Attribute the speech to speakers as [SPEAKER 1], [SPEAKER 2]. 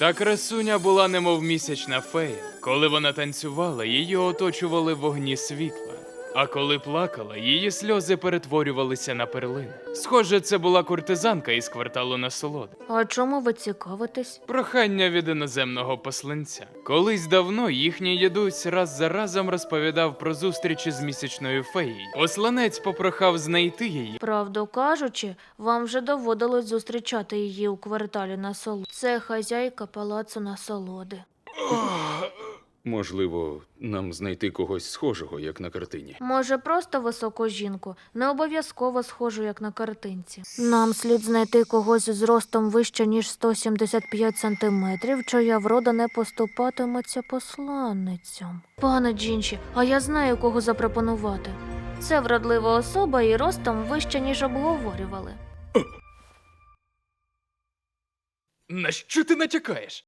[SPEAKER 1] Та красуня була немов місячна фея. Коли вона танцювала, її оточували вогні світла. А коли плакала, її сльози перетворювалися на перлини. Схоже, це була куртизанка із кварталу насолоди.
[SPEAKER 2] А чому ви цікавитесь?
[SPEAKER 1] Прохання від іноземного посланця. Колись давно їхній дідусь раз за разом розповідав про зустрічі з місячною феєю. Посланець попрохав знайти її.
[SPEAKER 2] Правду кажучи, вам вже доводилось зустрічати її у кварталі насолоди. Це хазяйка палацу насолоди.
[SPEAKER 3] Можливо, нам знайти когось схожого, як на картині.
[SPEAKER 2] Може, просто високу жінку, не обов'язково схожу, як на картинці. Нам слід знайти когось з ростом вище, ніж 175 сантиметрів, чия врода не поступатиметься посланницям. Пане Джінші, а я знаю, кого запропонувати. Це вродлива особа і ростом вище, ніж обговорювали.
[SPEAKER 1] На що ти натякаєш?